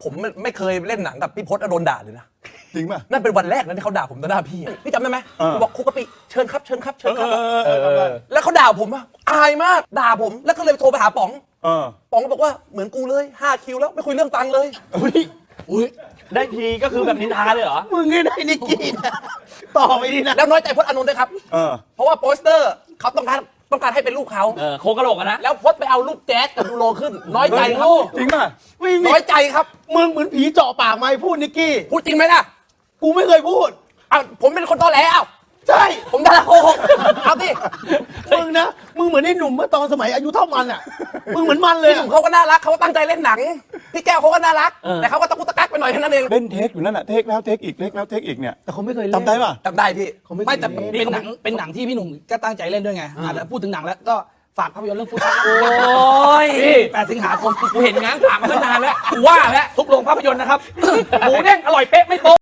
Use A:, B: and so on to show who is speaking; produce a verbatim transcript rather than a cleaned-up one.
A: ผมไม่เคยเล่นหนังกับพี่พศโดนด่าเลยนะ
B: จริงป่ะ
A: นั่นเป็นวันแรกนะที่เขาด่าผมต่อหน้าพี่พี่จำได้ไหมบอกครูกะปิเชิญครับเชิญครับเชิญครับแล้วเขาด่าผมอะอายมากด่าผมแล้วก็เลยโทรไปหาป๋องป๋องบอกว่าเหมือนกูเลยห้าคิวแล้วไม่คุยเรื่องตังค์เลย
C: อุ้ยได้ทีก็คือแบบนินทาเลยเหรอ
D: มึงไงได้นิกกี้นะต่อไปดีนะ
A: แล้วน้อยใจพจน์อานนท์ด้วยครับเพราะว่าโปสเตอร์เขาต้องการต้องการให้เป็นรูปเขา
C: โคกระโหลกนะ
A: แล้วพจน์ไปเอารูปแจ๊สกับยูโรขึ้นน้อยใจครับ
B: จริงป่ะ
A: น้อยใจครับ
D: มึงเหมือนผีเจาะปากไม่พูดนิกกี้
A: พูดจริงไหมล่ะ
D: กูไม่เคยพูด
A: อ้าวผมเป็นคนตอแหลอ้าว
D: ใช่
A: ผมดาราโกหกเอาสิ
D: มึงนะมึงเหมือนไอ้หนุ่มเมื่อตอนสมัยอายุเท่ามันอ่ะมึงเหมือนมันเลย
A: พี่หนุ่มเขาก็น่ารักเขาตั้งใจเล่นหนังพี่แก้วเขาก็น่ารักแต่เขาก็ตะกุกตะกักไปหน่อยแค่นั้นเอง
B: เล่นเทคอยู่นั่นแหะเทคแล้วเทคอีกเทคแล้วเทคอีกเนี่ย
D: แต่เขาไม่เคยเล่น
B: จำได้ป่ะ
A: จำได้พี่
E: ไม่แต่เป็นหนังเป็นหนังที่พี่หนุ่มก็ตั้งใจเล่นด้วยไงอ่ะพูดถึงหนังแล้วก็ฝากภาพยนตร์เรื่องฟุตบอล
C: โอ้ย
E: แปดสิงหาคม
C: กูเห็นง้างปากมาตั้งนานแล้วกูว่าแล้วทุกโรงภาพยนตร์นะครับหมูเด้งอร่อยเป๊ะไม่โป๊ะ